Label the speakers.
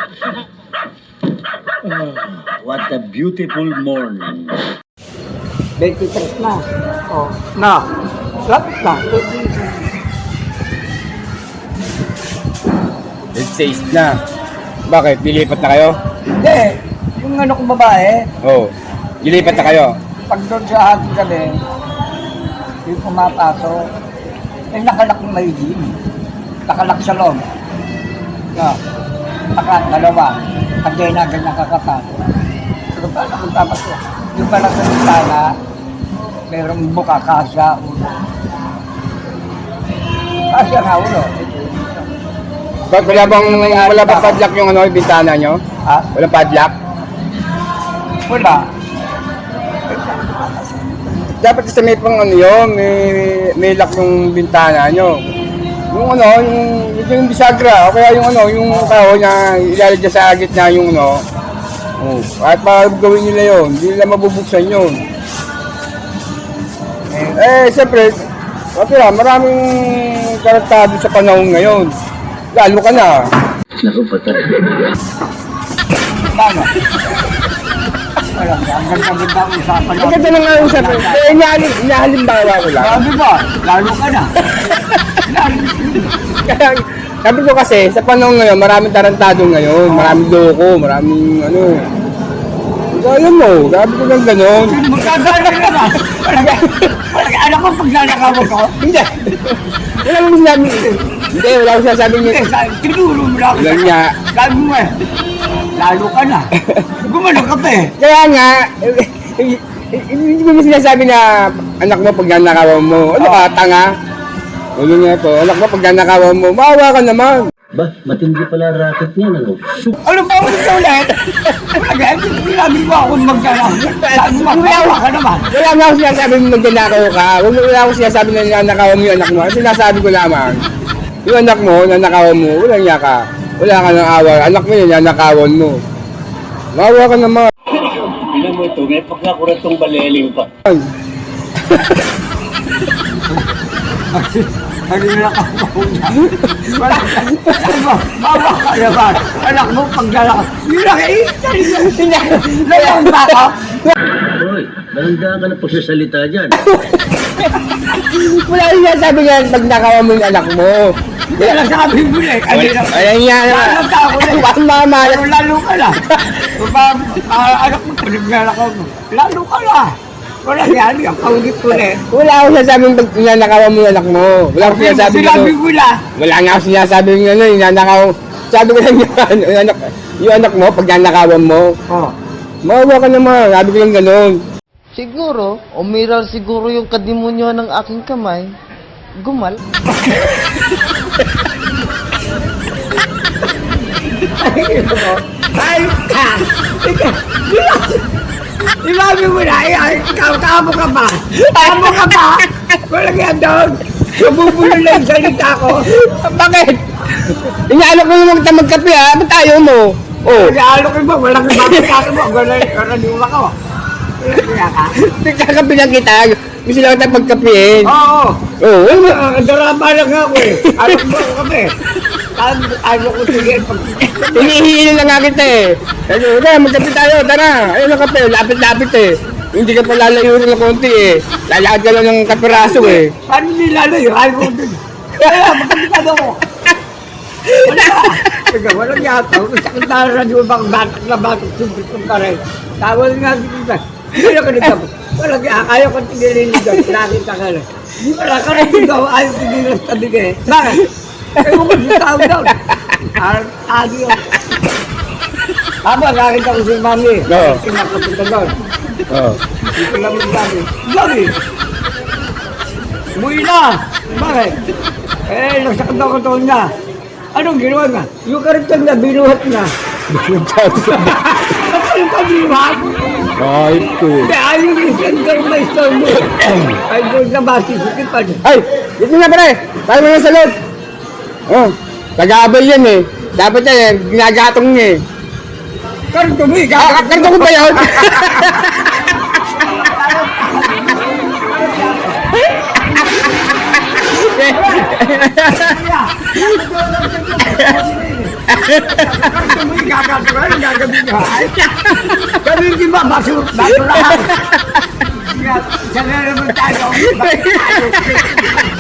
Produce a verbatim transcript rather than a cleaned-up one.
Speaker 1: Oh, what a beautiful morning.
Speaker 2: twenty-three na. Oh, na. Lapit na.
Speaker 3: twenty-six na. Bakit? Lilipat na kayo?
Speaker 2: Hindi. Yung ano kong babae,
Speaker 3: Oo. Oh. Lilipat na kayo?
Speaker 2: pag doon sa ating gabi, yung pumapasok, ay nakalak ng may gym. Nakalak sa loob. No. Naka, dalawa. Hanggang na ganyan kakapasok. Pero paano kung papasok? Yung pala sa bintana, mayroong buka, kasya, ulo. Kasya nga ulo.
Speaker 3: Ba't wala bang, wala bang padlock yung ano, yung bintana nyo?
Speaker 2: Ha?
Speaker 3: Walang padlock?
Speaker 2: Wala.
Speaker 3: Dapat kasi may pang ano yun, may, may lock yung bintana nyo. Yung ano, yung, yung bisagra, o kaya yung ano, yung kahoy na ilalagay sa gitna yung ano. Oh, at para gawin nila yun, hindi nila mabubuksan yun. Eh, eh siyempre, okay lang, maraming karaktado sa panahon ngayon. Lalo ka na.
Speaker 1: Naku, patay.
Speaker 2: Paano? Wala. Ang ganda-ganda ang usapan.
Speaker 3: Ang ganda na nga yung sabi. Eh, inahalim, inahalimbawa ko lang.
Speaker 2: Sabi ba? Lalo ka na. Lalo.
Speaker 3: Kaya, sabi ko kasi, sa panahon ngayon, maraming tarantado ngayon, maraming loko, maraming ano. Alam mo, sabi ko lang gano'n.
Speaker 2: Magkagala ka na. Wala anak ko pag nanakaw ko.
Speaker 3: Hindi. Wala mo sinabi. Hindi, wala ko sinasabi niya.
Speaker 2: Tinuro mo lang.
Speaker 3: Wala niya.
Speaker 2: Sabi mo eh. Lalo ka na. Gumano ka pa eh.
Speaker 3: Kaya nga, eh, eh, eh, hindi mo sinasabi na anak mo pag nanakawan mo. Ano ka, tanga? Ulo nga po, anak mo pag nanakawan mo, maawa ka naman.
Speaker 1: Ba, matindi pala racket niyan, ano?
Speaker 2: Ano ba ulit ka ulit? Again, sinabi mo ako magkana. Sabi mo, magkawa ka naman.
Speaker 3: Wala nga ako sinasabi mo magnanakaw ka. Wala wala ako sinasabi na nanakawan mo yung anak mo. Ang sinasabi ko lamang, yung anak mo, nanakawan mo, walang niya ka. Wala ka ng awa. Anak mo yun, nanakawan mo. Maawa ka naman.
Speaker 1: Tingnan mo ito, may pagkakuratong baleling pa.
Speaker 2: Kanina ka mo na. Wala ka. Mawa ka naman. Anak mo, pag lalaki. Hindi na kayo. Lalaki ba ako?
Speaker 1: Hoy, dahan-dahan ka na pagsasalita dyan.
Speaker 3: Wala yung sinasabi nga pag nakawan mo yung anak mo.
Speaker 2: Wala lang sabi mo na eh. Kanina.
Speaker 3: Ayan nga naman.
Speaker 2: Lalo ka ako na eh.
Speaker 3: Ang mama.
Speaker 2: Pero lalo ka na. Anak mo, pag mo. Lalo ka na. Wala yan. Ang paulit ko na eh.
Speaker 3: Wala akong sinasabing pag nanakawan mo yung anak mo. Wala akong sinasabing
Speaker 2: Sinabi
Speaker 3: ano.
Speaker 2: mo na.
Speaker 3: Wala nga akong sinasabing ano, yung nanakaw. Sabi ko lang yung, yung, anak, yung anak mo, pag nanakawan mo.
Speaker 2: Oh.
Speaker 3: Maawa ka naman. Sabi ko lang gano'n.
Speaker 4: Siguro, umiral siguro yung kadimonyo ng aking kamay. Gumal.
Speaker 2: Ay, ka! Sinabi mo na, ay, ikaw, kamo ka ba? Kamo ka ba? Walang yan doon. Nabubulo na yung salita ko.
Speaker 3: Bakit? Inaalok mo yung magta magkape ha? Ba't ayaw mo? Oh.
Speaker 2: Nag-aalok ko ba? Walang mapagkaka mo. Walang karaniwa ka. Walang kaya ka.
Speaker 3: Nagkakape lang kita. Gusto lang kita pagkapein.
Speaker 2: Oo.
Speaker 3: Oo. Oh.
Speaker 2: Ah, Darama lang ako eh. Alok mo ako kami. Ayaw ko sige.
Speaker 3: Hinihihili lang nga kita eh. Ano, tara, magkape tayo, tara. Ayun ang kape, lapit-lapit eh. Hindi ka pa lalayo rin ng konti eh. Lalakad ka lang ng kapiraso eh.
Speaker 2: Paano nilalayo? Ayaw ko din. Kaya, magkakitado ko. Wala. Teka, walang yata. Sakit na radyo bang batak na batak. Siyempre kong pare. Tawal nga dito. Hindi na ka nagtapos. Walang yata. Ayaw ko tigilin nito. Nakita ka na. Wala ka rin dito. Ayaw tigilin sa tabi ka eh. Bakit? Ayaw ko si tao daw. Adi yun. Tama, nakita ko si mami.
Speaker 3: Oo.
Speaker 2: Kinakapunta doon.
Speaker 3: Oo.
Speaker 2: Dito lang yung sabi. Sabi! Umuwi na! Bakit? Eh, nagsakit daw ko taon na. Anong ginawa na? Yung karitag na binuhat na. Ba't yung kabinuhat?
Speaker 3: Ay, ko.
Speaker 2: Hindi, ayaw yung center na store mo. Ay, doon na masisukit pa.
Speaker 3: Ay, dito na pare. Tayo mo na sa loob. Oh, taga-abal yan eh. Dapat yan eh, ginagatong niya eh.
Speaker 2: Karito mo eh.
Speaker 3: Ah, karito ko ba yun?
Speaker 2: Ito mo yung gagawin, yung gagawin nyo. Ganun di ba, basura, basurahan. Isa na naman tayo. Bakit tayo?